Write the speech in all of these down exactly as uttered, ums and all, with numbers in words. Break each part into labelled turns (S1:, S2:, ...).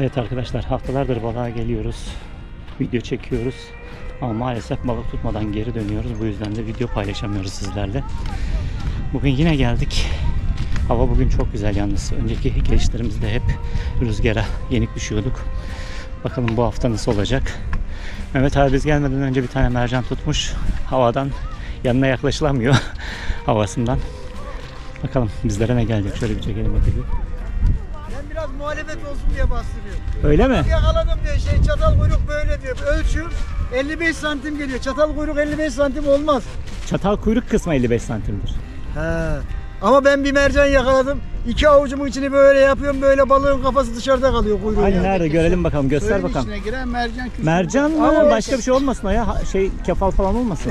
S1: Evet arkadaşlar, haftalardır balığa geliyoruz. Video çekiyoruz. Ama maalesef balık tutmadan geri dönüyoruz. Bu yüzden de video paylaşamıyoruz sizlerle. Bugün yine geldik. Hava bugün çok güzel yalnız. Önceki gelişlerimizde hep rüzgara yenik düşüyorduk. Bakalım bu hafta nasıl olacak. Mehmet abi biz gelmeden önce bir tane mercan tutmuş. Havadan yanına yaklaşılamıyor. Havasından. Bakalım bizlere ne gelecek. Şöyle bir çekelim bakalım.
S2: Ben biraz muhalefet olsun diye bastırıyorum.
S1: Öyle mi?
S2: Yakaladım diye şey çatal kuyruk böyle diyor. Ölçüm elli beş santim geliyor. Çatal kuyruk elli beş santim olmaz.
S1: Çatal kuyruk kısmı elli beş santimdir.
S2: He. Ama ben bir mercan yakaladım. İki avucumun içini böyle yapıyorum. Böyle balığın kafası dışarıda kalıyor kuyruğu.
S1: Hani
S2: yani.
S1: nerede görelim bakalım, göster
S3: Suyun
S1: bakalım.
S3: içine giren mercan küçük.
S1: Mercan mı?
S2: Ama
S1: Başka bir şey olmasın o ya. Ha- Şey kefal falan olmasın.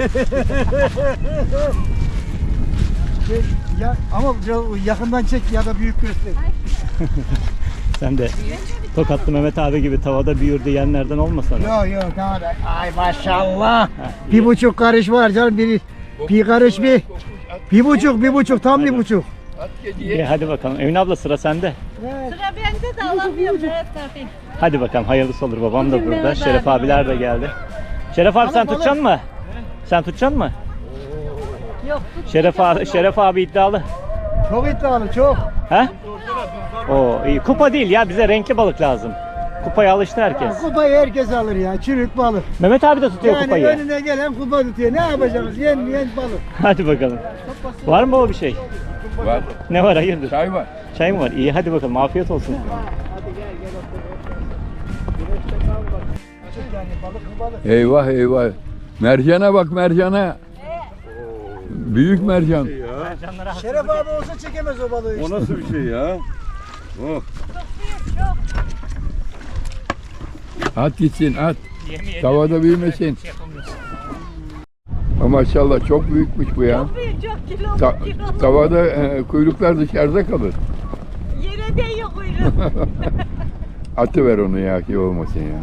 S2: Şey, ya, ama biraz yakından çek ya da büyük göster.
S1: Sen de Tokatlı Mehmet abi gibi tavada büyür diyenlerden olmasın.
S2: Yok yok tamam. Ay maşallah.
S1: Ha, iyi.
S2: Bir buçuk karış var canım. Bir, bir karış bir. Bir buçuk bir buçuk tam bir buçuk.
S1: İyi, hadi bakalım. Emin abla sıra sende.
S4: Sıra bende de alamıyorum evet tabii.
S1: Hadi bakalım, hayırlısı olur. Babam da
S4: Bugün
S1: burada.
S4: Mehmet
S1: Şeref
S4: abi
S1: abiler de geldi. Şeref abi
S2: Balık,
S1: sen
S2: balık.
S1: tutacaksın mı? Sen tutacaksın mı?
S4: Yok.
S1: Şeref abi, Şeref abi iddialı.
S2: Çok iddialı çok.
S1: He? Oo iyi. Kupa değil ya, bize renkli balık lazım. Kupaya alıştı herkes.
S2: Kupayı herkes alır ya. Çürük balık.
S1: Mehmet abi de tutuyor
S2: Yani
S1: kupayı.
S2: önüne gelen kupa tutuyor. Ne yapacağız? Yenmeyen balık.
S1: Hadi bakalım. Var mı o bir şey?
S3: Var.
S1: Ne var, hayırdır?
S3: Çay var.
S1: Çay mı var? İyi, hadi bakalım. Afiyet olsun.
S2: Yani balık balık.
S3: Eyvah eyvah. Mercana bak mercana. Büyük mercan.
S2: Şeref abi olsa çekemez o balığı işte.
S5: O nasıl bir şey ya? Oh.
S3: At gitsin at.
S1: Yemeyelim.
S3: Tavada büyümesin.
S1: Şey yapamıyorsun.
S3: Ama maşallah çok büyükmüş bu ya.
S4: Çok büyük, çok kilo.
S3: Ta-
S4: kilo.
S3: tavada e, kuyruklar dışarıda kalır.
S4: Yere değiyor kuyruğu.
S3: Atı ver onu ya ki olmasın ya.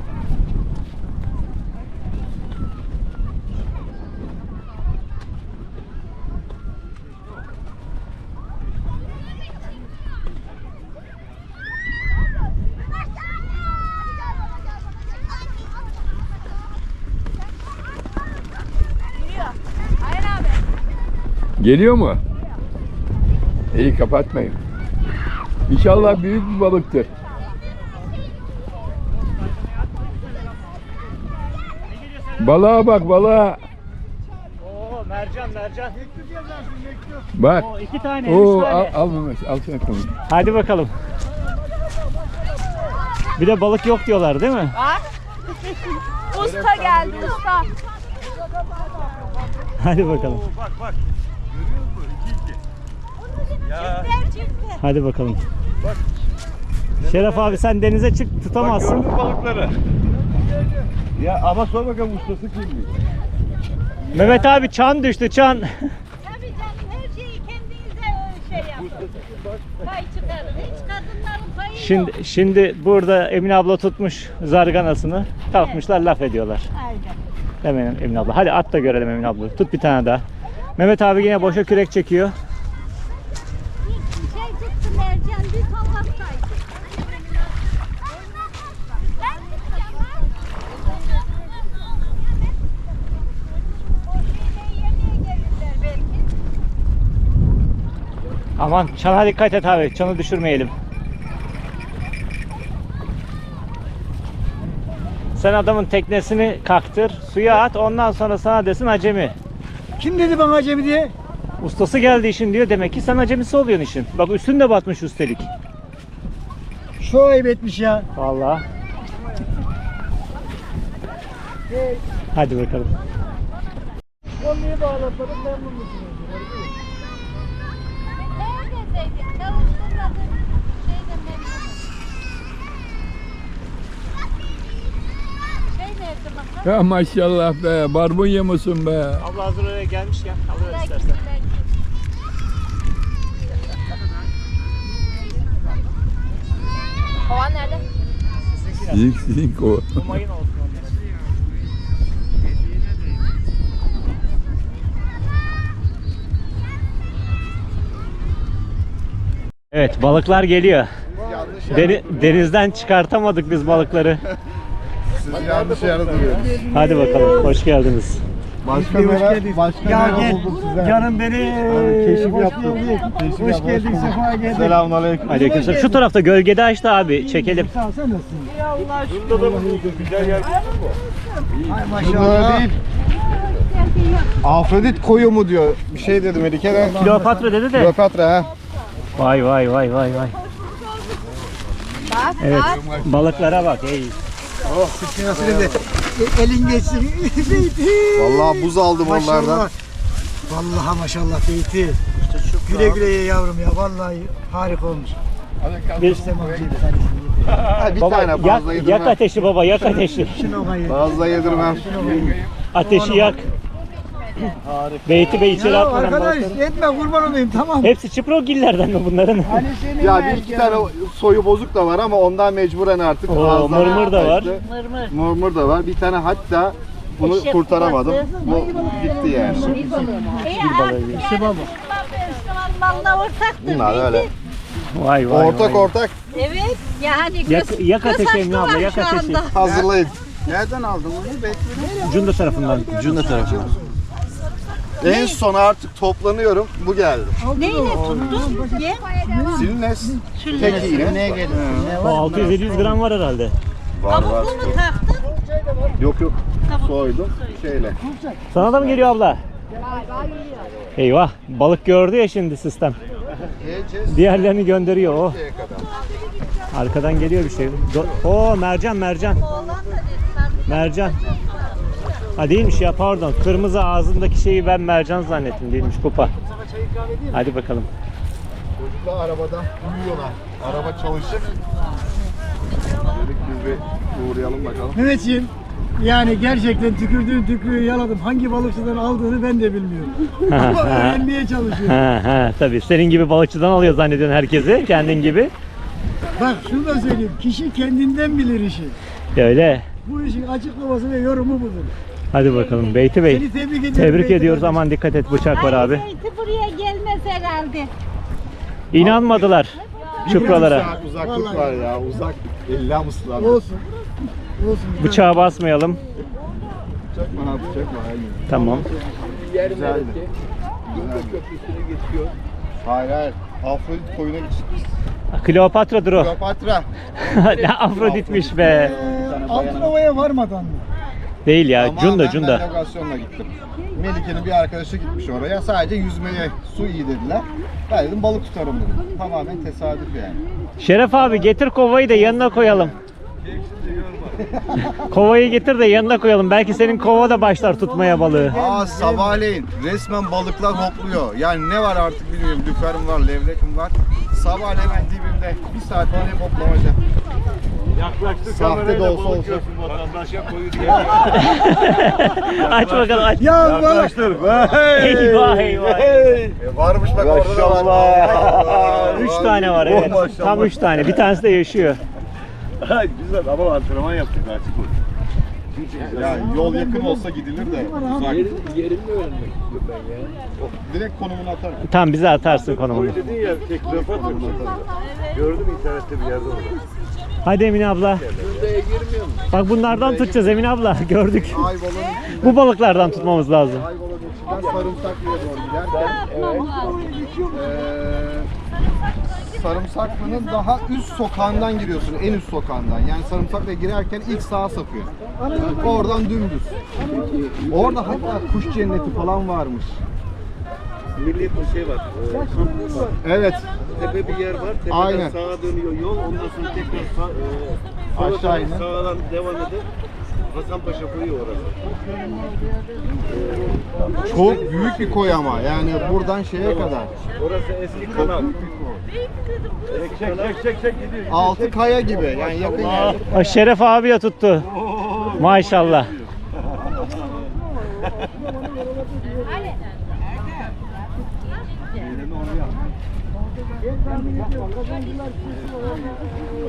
S4: Hayır abi.
S3: Geliyor mu? İyi kapatmayın. İnşallah büyük bir balıktır. Balığa bak balığa.
S1: Oo mercan mercan.
S3: Bak.
S1: Oo iki tane,
S3: Oo,
S1: üç
S3: al,
S1: tane.
S3: al Mehmet, al sen konuş.
S1: Hadi bakalım. Bir de balık yok diyorlar değil mi?
S4: Bak. Usta geldi usta.
S1: Hadi bakalım.
S5: Bak bak. Görüyor musun? İki iki. Ya.
S1: Hadi bakalım. Şeref abi sen denize çık,
S5: Bak
S1: tutamazsın.
S5: gördün balıkları. Ya ama sor bakalım ustası kimmiş?
S1: Mehmet abi çan düştü, çan.
S4: Tabii canım her şeyi kendinize şey yapın. Pay çıkarın. Hiç kadınların payı yok.
S1: Şimdi şimdi burada Emine abla tutmuş zarganasını. Kalkmışlar laf ediyorlar.
S4: Aynen.
S1: Hemen Emine abla. Hadi at da görelim Emine abla. Tut bir tane daha. Mehmet abi yine boşa kürek çekiyor.
S4: Bir şey tuttu mercan bir kavaktaydı. Ben tutacağım ha. O şeyle yemeğe gelirler belki.
S1: Aman çana dikkat et abi. Çanı düşürmeyelim. Sen adamın teknesini kaktır, suya at, ondan sonra sana desin acemi.
S2: Kim dedi bana acemi diye?
S1: Ustası geldi işin diyor, demek ki sen acemisi oluyorsun işin. Bak üstün de batmış üstelik.
S2: Şu ayıp etmiş ya.
S1: Vallahi. Hadi bakalım.
S2: Kolluyu bağlatmadım memnun musunuz?
S4: Neredeydin? Çalıştırmadın. Şeyden memnunum. Şey nerede bakalım?
S3: Ya maşallah be, barbunya mısın be?
S1: Abla hazır oraya gelmişken alıyor
S4: Belki,
S1: istersen.
S4: belki. Kovan nerede?
S3: Sizin sizin kova.
S1: Bu mayın olsun onlar. Evet, balıklar geliyor.
S5: Yanlış
S1: Deni- denizden çıkartamadık biz balıkları.
S3: Siz yanlış yere duruyorsunuz.
S1: Hadi bakalım. Hoş geldiniz.
S3: Başka
S2: Hoş
S3: mera,
S2: geldin.
S3: başka
S2: Ya
S3: mera
S2: gel.
S3: bulduk size.
S2: Canım beni.
S3: keşif
S2: hoş
S3: yaptım.
S2: geldin.
S3: Keşif
S2: Hoş
S3: yaptım.
S2: geldin. Sefa geldin.
S3: Selamünaleyküm.
S1: Aleykümselam. Şu tarafta gölgede açtı abi. Çekelim.
S2: Sağ ol, sen nasılsın?
S5: Şurada da bulduk. Güzel yer.
S2: Ay
S3: Şunlara
S2: maşallah.
S3: değil. Afrodit koyu mu diyor. Bir şey dedi Melike de.
S1: Kleopatra dedi de.
S3: Kleopatra ha.
S1: Vay vay vay vay vay. Evet. Balıklara bak. Ey.
S2: Nasıl dedi? E, Elin geçsin. Beyti.
S3: Vallahi buz aldım onlardan.
S2: Maşallah. Vallahi maşallah Beyti. Güle güle ye yavrum ya. Vallahi harika olmuş.
S1: Bir,
S2: İstemem.
S3: Ha, bir
S1: baba
S3: tane
S1: yak,
S3: fazla
S1: yak
S3: yedirmem.
S1: ateşi baba yak ateşi.
S2: Şunu kayır.
S3: Fazla yedirmem.
S1: Ateşi yak. Beyti Bey içeri
S2: Ya
S1: atmadan
S2: arkadaş
S1: balıkları.
S2: etme kurban olayım tamam.
S1: Hepsi çiprogillerden mi bunların?
S2: Hani senin
S3: Ya
S2: ver
S3: bir iki
S2: ya.
S3: tane soyu bozuk da var ama ondan mecburen artık.
S1: Oo,
S3: ağızdan
S1: mırmır da var.
S3: kaçtı.
S4: Mırmır.
S3: Mırmır da var. Bir tane hatta bunu
S4: Eşek
S3: kurtaramadım.
S4: kulası.
S3: Bu gitti yani.
S4: İyi artık
S1: İşte
S4: yani Müslümanlarla ortaktır.
S3: Bunlar öyle.
S1: Vay vay
S3: Ortak
S1: vay.
S3: ortak
S4: Evet. Yani
S1: Yak,
S4: göz,
S1: yak
S4: göz
S1: ateşi Emine
S4: hakkı
S1: abla
S4: var
S1: yak
S4: şu
S1: ateşi.
S4: anda.
S3: hazırlayın. Nereden aldın bunu?
S1: Cunda tarafından.
S3: Cunda tarafından. En son artık toplanıyorum. Bu geldi.
S4: Neyle tuttun? Ye.
S3: Silnes. Tek iğne. Neye geldi?
S1: O altı yüz yedi yüz gram var herhalde.
S3: Var var.
S4: Tavuklu mu taktın?
S3: Yok yok. Soydum. Şeyle.
S1: Sana da mı geliyor abla? Eyvah balık gördü ya şimdi sistem.
S3: Yiyeceğiz.
S1: Diğerlerini gönderiyor o.
S3: Şeye kadar.
S1: Arkadan geliyor bir şey. Do- Oo mercan mercan.
S4: Oğlan da dedi. Sen
S1: Mercan. Ha değilmiş ya pardon. Kırmızı ağzındaki şeyi ben mercan zannettim değilmiş kupa. Hadi bakalım.
S3: Çocuklar arabada uyuyorlar. Araba çalışır. Dedik biz bir uğrayalım bakalım.
S2: Mehmetciğim yani gerçekten tükürdüğün tükürüğü yaladım. Hangi balıkçıdan aldığını ben de bilmiyorum. Ama öğrenmeye çalışıyorum.
S1: Ha ha tabii. Senin gibi balıkçıdan alıyor zannediyorsun herkesi. Kendin gibi.
S2: Bak şunu da söyleyeyim. Kişi kendinden bilir işi.
S1: Öyle.
S2: Bu işin açıklaması ve yorumu budur.
S1: Hadi bakalım Beyti Bey.
S2: Seni tebrik ediyorum.
S1: Tebrik
S2: Beyti
S1: ediyoruz.
S2: kardeşim.
S1: Aman dikkat et bıçak var abi.
S4: Beyti buraya gelmez herhalde.
S1: İnanmadılar çupralara.
S3: Bir saat uzaklık var ya. Uzak. İlla mısın?
S2: Olsun. Olsun.
S1: Bıçağa basmayalım.
S3: Bıçak mı? Ha bıçak mı? Aynen.
S1: Tamam.
S3: Güzeldi. Güzeldi. Hayır hayır. Afrodit koyuna gittik.
S1: Kleopatra'dır o.
S3: Kleopatra.
S1: Ne Afroditmiş be.
S2: Ee, Altınova'ya varmadan mı?
S1: Değil ya.
S3: Ama
S1: Cunda
S3: ben
S1: Cunda.
S3: navigasyonla gittim. Melike'nin bir arkadaşı gitmiş oraya. Sadece yüzmeye su iyi dediler. Ben dedim balık tutarım dedim. Tamamen tesadüf yani.
S1: Şeref abi getir kovayı da yanına koyalım. Kovayı getir de yanına koyalım. Belki senin kova da başlar tutmaya balığı.
S3: Aa sabahleyin resmen balıklar hopluyor. Yani ne var artık bilmiyorum. Lüferim var, levrekim var. Sabahleyin hemen dibimde bir saat var hep hoplamaca.
S5: Yaklaştık
S3: Sahte
S5: kamerayla
S3: de olsa
S5: balık
S3: olsa.
S5: görsün vatandaşa koyu diye.
S1: Aç bakalım aç.
S2: Ya balık.
S5: Yaklaştır.
S1: Eyvah eyvah.
S3: E, varmış bak orada da var.
S1: Üç tane var evet.
S5: Oh, maşallah.
S1: Tam üç tane. Bir tanesi de yaşıyor.
S5: Güzel ama antrenman yaptık açık ol.
S3: Ya yol yakın olsa gidilir de uzak.
S5: Yerini öğrenmek istiyorum ben ya.
S3: Direkt konumunu atarım.
S1: Tam bize atarsın konumunu.
S5: Koyu dedin ya, tek Kleopatra. Gördüm internette bir yerde orada.
S1: Hadi Emine abla.
S5: Şuraya girmiyor mu?
S1: Bak bunlardan tutacağız Emine abla. Gördük.
S3: Ayvalık'ın içinden,
S1: Bu balıklardan tutmamız lazım.
S3: Ayvalık'ın içinden Sarımsaklı'ya doğru giderken eee Sarımsaklı'nın daha üst sokağından giriyorsun, en üst sokağından. Yani Sarımsaklı'ya girerken ilk sağa sapıyor. Oradan dümdüz. Orada hatta kuş cenneti falan varmış.
S5: Milli bir şey var. E, kampüs var.
S3: Evet,
S5: Tepe bir yer var. Tepeden
S3: Aynen.
S5: sağa dönüyor yol. Ondan sonra tekrar sağ, e, sola
S3: Aşağı
S5: dönüp
S3: inin.
S5: sağdan devam edip Hasanpaşa koyu orası.
S3: çok büyük bir koy ama. Yani buradan şeye kadar.
S5: Orası eski kanal. Çek çek çek çek çek gidiyor.
S3: Altı kaya gibi. Yani yakın yerde.
S1: O Şeref abi ya tuttu. Maşallah.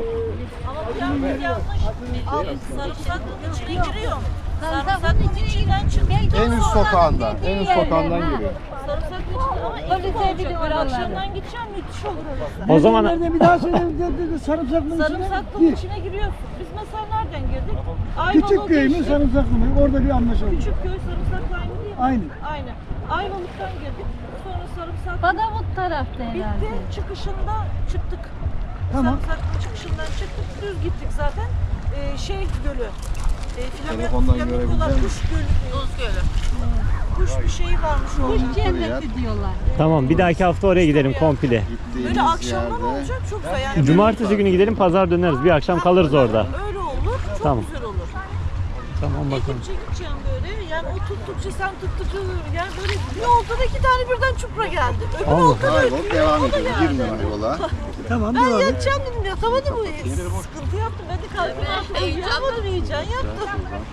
S6: Sarımsak içine giriyor. Sarımsak içine
S4: içinden çık.
S3: En üst sokağında, en üst sokağından giriyor.
S4: Sarımsaklı içinden ama iyi olacak. Böyle akşamdan gideceğim müthiş olur orası.
S1: O zaman
S2: Nerede bir daha söyle dedi sarımsaklının içine.
S4: Sarımsaklının
S2: Gir.
S4: içine giriyorsun. Biz mesela nereden girdik?
S2: Küçük köy mü sarımsaklı mı? Orada bir anlaşalım.
S4: Küçük köy sarımsaklı aynı değil mi?
S2: Aynı.
S4: Aynı. Ayvalık'tan girdik. Sonra sarımsaklı.
S6: Badavut tarafta herhalde.
S4: Bitti. Çıkışında çıktık.
S2: Tamam.
S4: Sarımsaklı çıkışından çıktık. Düz gittik zaten. Ee, şey gölü. E,
S3: Telefondan
S4: flamingolar,
S3: görebilecek
S4: kuş gölü. Buz gölü. Kuş bir şey varmış orada.
S6: Kuş cenneti diyorlar.
S1: tamam, bir dahaki hafta oraya gidelim komple.
S3: Gittiğimiz
S4: Böyle akşamdan
S3: yerde
S4: olacak çok güzel. Yani
S1: Cumartesi günü gidelim, pazar döneriz. Bir akşam kalırız orada.
S4: öyle olur. Çok
S1: Tamam.
S4: güzel olur.
S1: Tamam bakalım.
S4: Gidince gideceğim böyle. Yani o tuttukça sen tuttukça yani böyle bir oltada iki tane birden çupra geldi. Öbür
S1: Allah.
S4: oltada
S3: kaybolup devam ediyor. Girme yola.
S2: Tamam
S4: ben
S2: devam et.
S4: yatacağım dedim yatamadım. Sıkıntı yaptım. Ben de kalktım yaptım. Uyuyamadım heyecan yaptım.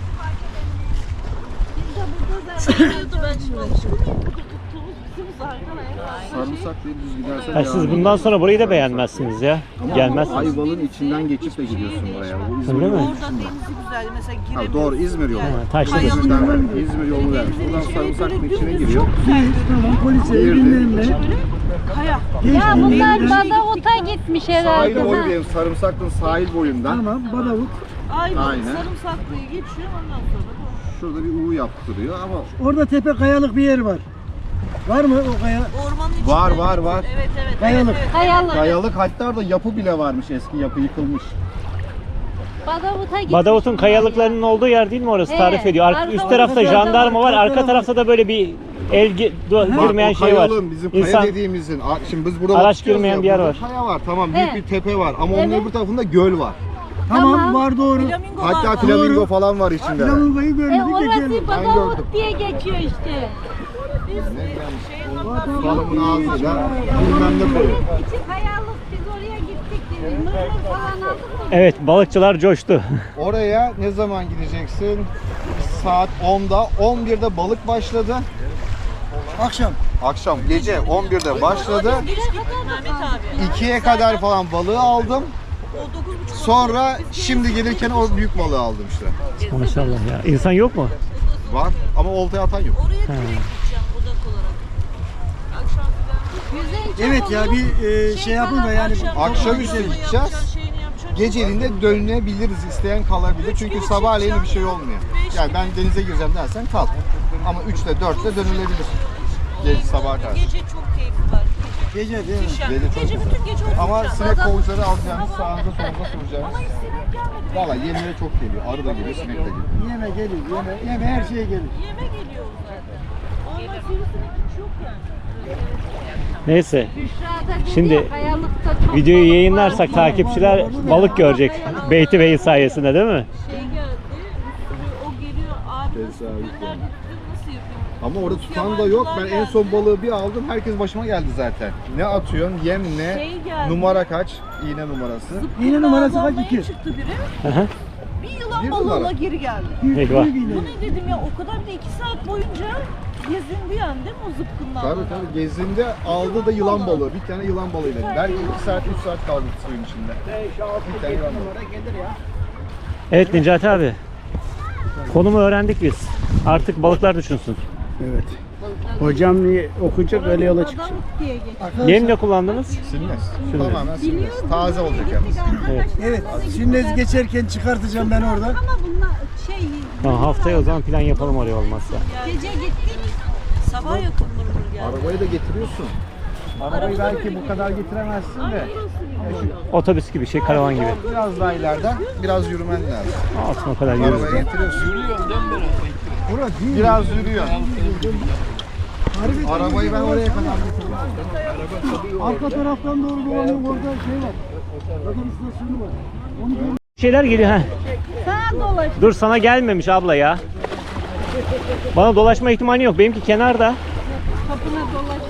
S4: Şurada ben şimdi alışkın mıyım? Burada tuttuğumuz bizim zaten.
S3: Sarımsaklı düz gidersen
S1: Ha, siz bundan sonra burayı da beğenmezsiniz ya. Gelmezsiniz.
S3: Ayvalık'ın içinden geçip de gidiyorsun buraya. Bu İzmir
S1: Öyle mi?
S3: yolu.
S4: Orada denizi güzel. Mesela
S3: Ha,
S4: girebiliyorsun.
S3: doğru İzmir yolu.
S1: Ha, taşlı
S3: İzmir'den İzmir yolu vermiş. Buradan Sarımsaklı'nın içine giriyor.
S2: Tamam polise
S3: Girdi.
S2: bilmem ne.
S4: Kaya.
S6: Ya bunlar
S2: Geçti.
S6: Badavut'a gitmiş herhalde.
S3: Sahil boyu
S6: ha.
S3: diyelim. Sarımsaklı'nın sahil boyundan.
S2: Tamam Badavut.
S4: Ayvalık
S3: Aynen.
S4: sarımsaklıyı geçiyor ondan sonra bu.
S3: Şurada bir U yaptırıyor ama
S2: Orada tepe kayalık bir yer var. Var mı o kaya?
S4: Ormanın içinde.
S3: Var, var, var.
S4: Evet evet.
S2: Kayalık.
S4: Evet, evet.
S6: Kayalık.
S3: kayalık, hatta orada yapı bile varmış, eski yapı yıkılmış.
S6: Badavut'a gitmiş.
S1: Badavut'un
S6: bunlar
S1: kayalıklarının olduğu yer değil mi orası?
S6: He,
S1: Tarif ediyor. Ar-
S6: arka
S1: üst tarafta
S6: tarafta
S1: jandarma var,
S2: var,
S1: arka
S2: arka
S1: tarafta da böyle bir el gi- do-
S3: Bak,
S1: girmeyen
S3: o
S1: şey var.
S3: kayalığın, bizim kaya
S1: İnsan
S3: dediğimizin, a- şimdi biz burada
S1: Araç
S3: bakıyoruz
S1: girmeyen
S3: ya,
S1: bir yer
S3: burada
S1: var.
S3: Kaya var, tamam, büyük
S6: He.
S3: bir tepe var ama onun
S6: Evet.
S3: öbür tarafında göl var.
S2: Tamam,
S6: Tamam.
S2: var doğru.
S4: Flamingolar
S3: Hatta
S4: var.
S3: flamingo
S2: Doğru.
S3: falan var içinde.
S2: Flamingoyu
S6: E
S2: görmedik de
S6: orası
S2: gelmedik.
S3: Ben
S6: Badavut
S3: gördüm.
S6: diye geçiyor işte.
S4: Biz e, şeyin oradan
S3: Balımın ağzıyla bilmem ne koyuyor.
S6: İçi kayalık, biz oraya gittik. Mırmır falan aldık mı?
S1: Evet, balıkçılar coştu.
S3: Oraya ne zaman gideceksin? Saat onda, on birde balık başladı.
S2: Akşam.
S3: Akşam gece on birde başladı.
S4: geç gittik Mehmet abi.
S3: ikiye kadar falan balığı aldım.
S4: O dokuz buçuk
S3: Sonra şimdi gelirken o büyük balığı aldım işte.
S1: Maşallah ya. İnsan yok mu?
S3: Var ama oltaya atan yok.
S4: oraya direkt gideceğim odak olarak. Akşam filan.
S2: Evet ya bir e, şey yapın da yani.
S3: Akşamüstü gideceğiz. Geceliğinde dönebiliriz, isteyen kalabilir. Çünkü sabahleyin bir şey olmuyor. Yani ben denize gireceğim dersen kal. Ama üçte dörtte dönülebilir. Gece sabaha kadar.
S4: Gece çok keyfi var.
S2: Gece değil mi?
S4: Gece,
S3: Gece çok
S4: gece
S3: güzel.
S4: bütün gece oturacağız.
S3: Ama sinek
S4: Adam-
S3: kovucuları alacağımız, sağınıza solunuza soracağımız.
S4: Ama hiç sinek gelmedi.
S3: Valla yemlere çok geliyor. Arı da geliyor, sinek de geliyor.
S2: Yeme gelir, yeme, yeme her şeye gelir.
S4: Yeme geliyor zaten. Ama sivrisinek hiç yok yani.
S1: Neyse.
S6: Büşra'da dedi
S1: Şimdi
S6: ya, kayalıkta çok
S1: Videoyu
S6: balık
S1: yayınlarsak
S6: var.
S1: takipçiler balık görecek. Beyti Bey'in sayesinde değil mi?
S4: Şey geldi, bir sürü o geliyor, abi nasıl
S3: Tesadüf
S4: tutuyor, nerede tutuyor, nasıl yapıyor?
S3: Ama orada tutan da yok. Ben en son balığı bir aldım. Herkes başıma geldi zaten. Ne atıyorsun? Yem ne?
S4: Şey geldi.
S3: Numara kaç? İğne numarası.
S2: İğne numarası kaç?
S4: Almaya
S2: İki.
S4: çıktı biri,
S1: Hı hı.
S4: bir yılan
S3: Bir
S4: balığıyla
S3: numara.
S4: geri geldi.
S1: Eyvah.
S4: Bu ne dedim ya, o kadar bir de iki saat boyunca gezindi yani değil mi o zıpkınlarla?
S3: Tabii tabii. Gezdiğinde aldı da yılan balığı. Bir tane yılan balığıyla. Belki iki saat, üç saat kaldı suyun içinde. Bir tane yılan balığı.
S1: Evet Necati abi. Konumu öğrendik biz. Artık balıklar düşünsün.
S7: Evet. Hocam okuyacak öyle yola çıkacak.
S6: Badavut diye geçiyor.
S1: Yem ne kullandınız?
S3: Silmez. Tamamen silmez. Taze olacak yalnız.
S1: Evet.
S2: Evet. Şimdi geçerken çıkartacağım ben oradan.
S6: Ama bunlar şey,
S1: Tamam, haftaya o zaman plan yapalım oraya olmazsa.
S6: gece gittik.
S4: Sabah yakın mırmır geldi.
S3: Arabayı da getiriyorsun. Arabayı belki bu kadar getiremezsin de.
S1: Otobüs gibi şey, karavan gibi.
S3: Biraz daha ileriden biraz yürümen lazım.
S1: Altına kadar yürüyoruz.
S3: Arabaya getiriyorsun. Yürüyorum değil mi? Biraz yürüyor. Arabayı ben oraya kadar getirdim.
S2: Arka taraftan doğru dolanın orada şey var. Bakın istasyonu var. Onu gör-
S1: Şeyler geliyor ha.
S6: Sağa dolaş.
S1: Dur, sana gelmemiş abla ya. Bana dolaşma ihtimali yok. Benimki kenarda.
S6: Kapına dolaş.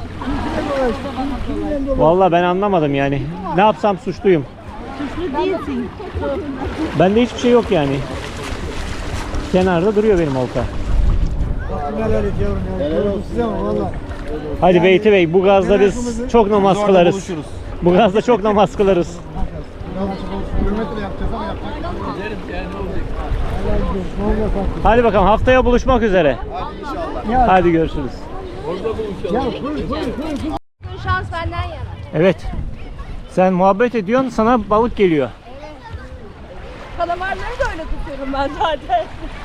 S1: Vallahi ben anlamadım yani. Ne yapsam suçluyum.
S6: Suçlu değilsin.
S1: Bende hiçbir şey yok yani. Kenarda duruyor benim olta.
S2: Helal et yavrum ya. Helal olsun size ama valla.
S1: Hadi Beyti Bey, bu gazda biz çok namaz
S3: orada
S1: kılarız.
S3: buluşuruz.
S1: Bu gazda çok namaz kılarız.
S3: Kilometre yapacağız ama yapacak.
S1: Hadi bakalım haftaya buluşmak üzere.
S3: Hadi inşallah.
S1: Hadi görüşürüz.
S6: Bugün şans benden yana.
S1: Evet. Sen muhabbet ediyorsun, sana balık geliyor.
S6: Kalamarları da öyle tutuyorum ben zaten.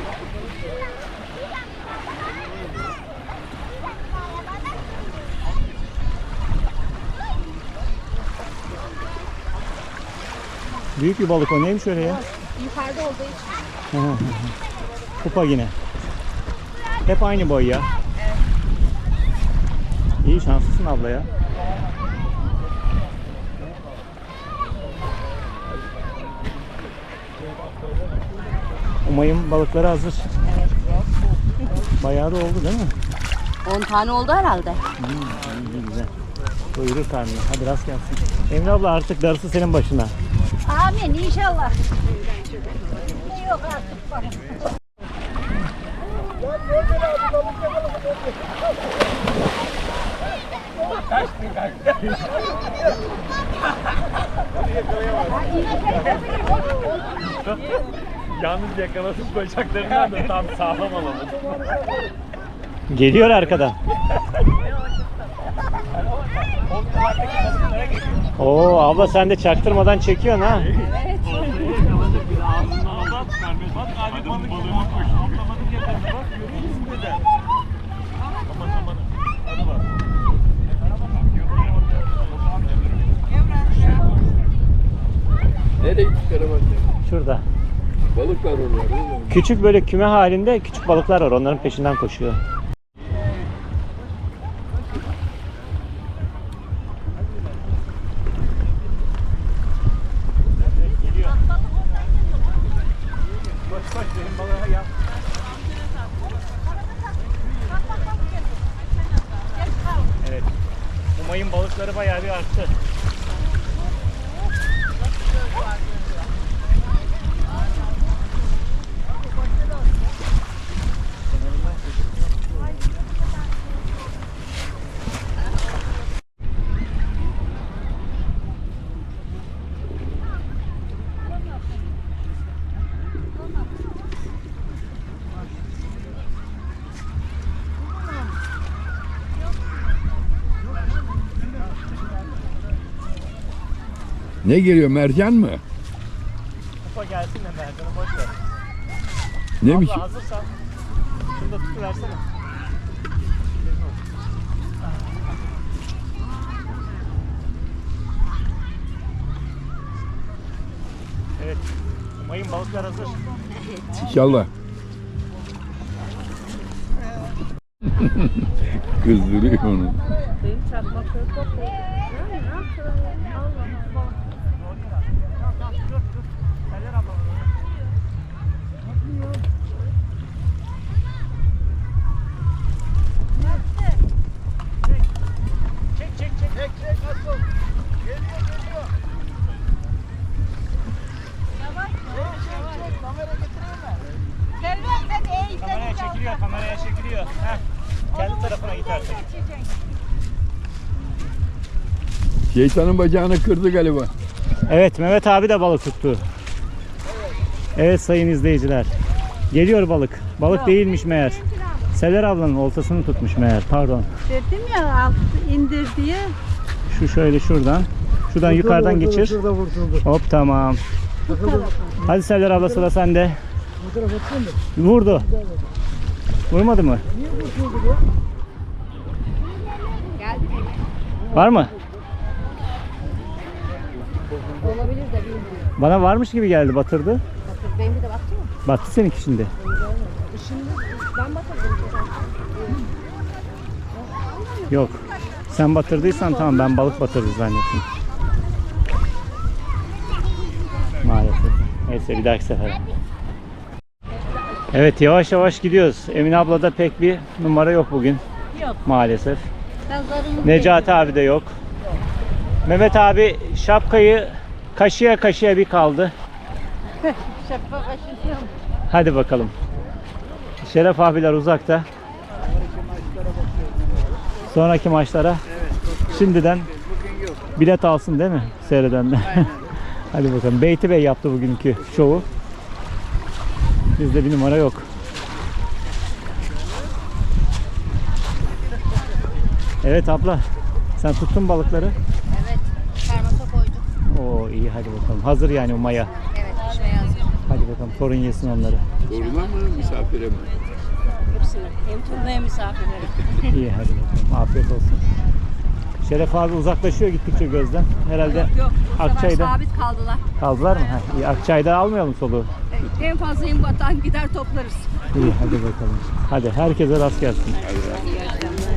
S1: Büyük bir balık o. Neymiş öyle ya?
S6: Yukarıda olduğu için.
S1: Kupa yine. Hep aynı boy ya. İyi, şanslısın abla ya. Umay'ın balıkları hazır. Bayağı da oldu değil mi?
S6: on tane oldu herhalde.
S1: Hmm, iyi, güzel. Doyurur karnını. Hadi rast gelsin. Emre abla artık darısı senin başına.
S4: Amin inşallah. Ne yok artık bak.
S5: Yalnız yakalasın bacaklarından da tam sağlam alamadım.
S1: Geliyor arkadan. Oo abla sen de çaktırmadan çekiyorsun ha.
S5: Evet. Bak abi balık balığıma koş. Atlamadık yakaladı bak. Görüyor musun dede? Aman aman. Hadi bak.
S7: Nereye gittikleri bak.
S1: Şurada.
S7: Balık var orada.
S1: Küçük böyle küme halinde küçük balıklar var. Onların peşinden koşuyor.
S5: Koş koş benim balığa gel.
S1: Evet. Umay'ın balıkları bayağı bir arttı.
S7: Ne geliyor, mercan mı?
S1: Kupa gelsin de Mercan'ı boş ver.
S7: Neymiş?
S1: Abla hazırsan şunu da tutuversene. Evet. Umay'ın balıklar hazır.
S7: İnşallah. Kızdırıyor onu.
S6: Benim çakmakları toplayın. Ne yapıyorsun? Allah Allah.
S1: Çek çek çek.
S3: Çek çek asıl. Geliyor geliyor. Çek çek çek. Kamera getireyim mi?
S4: Selvan sen eğitim.
S1: Kameraya çekiliyor, kameraya çekiliyor. Heh. Kendi tarafına git artık.
S7: Şeytanın bacağını kırdı galiba.
S1: Evet, Mehmet abi de balık tuttu. Evet sayın izleyiciler. Geliyor balık. Balık değilmiş meğer. Seler ablanın oltasını tutmuş meğer. Pardon.
S6: Dedim ya alt indir diye.
S1: Şu şöyle şuradan. Şuradan yukarıdan geçir.
S2: Şurada vurtuldu.
S1: Hop tamam. Hadi Seler abla sıra sende.
S2: Bu tarafa atsana da.
S1: Vurdu. Vurmadı mı?
S2: Niye vurtuldu bu?
S1: Var mı?
S6: Olabilir de bilmiyorum.
S1: Bana varmış gibi geldi, batırdı.
S6: Bakın benim de baktı mı?
S1: Battı seninki şimdi.
S6: Şimdi ben batırdım.
S1: Yok. Sen batırdıysan tamam, ben balık batırdı zannettim. Maalesef. Neyse bir dahaki sefer. Evet yavaş yavaş gidiyoruz. Emine ablada pek bir numara yok bugün.
S6: Yok.
S1: Maalesef.
S6: Ben zarını
S1: Necati abi de yok. Mehmet abi şapkayı kaşıya kaşıya bir kaldı.
S6: şapka kaşınıyorum.
S1: Hadi bakalım. Şeref abiler uzakta. Sonraki maçlara şimdiden bilet alsın değil mi seyredenler? Hadi bakalım. Beyti Bey yaptı bugünkü şovu. Bizde bir numara yok. Evet abla. Sen tuttun balıkları.
S6: Evet. Termosa koyduk.
S1: Oo iyi, hadi bakalım. Hazır yani o maya.
S6: Evet. Pişmeye hazır.
S1: Hadi bakalım torun yesin onları.
S8: Toruna mı misafire mi?
S6: Hepsini. Hem turuna hem misafirleri.
S1: İyi, hadi bakalım. Afiyet olsun. Şeref abi uzaklaşıyor gittikçe gözden. Herhalde
S6: Yok. Bu sefer
S1: Akçay'da
S6: sabit kaldılar.
S1: kaldılar mı? Heh, iyi. Akçay'da almayalım soluğu.
S6: Evet, en fazla yem batan gider toplarız.
S1: İyi, hadi bakalım. Hadi herkese rast gelsin.
S6: İyi akşamlar.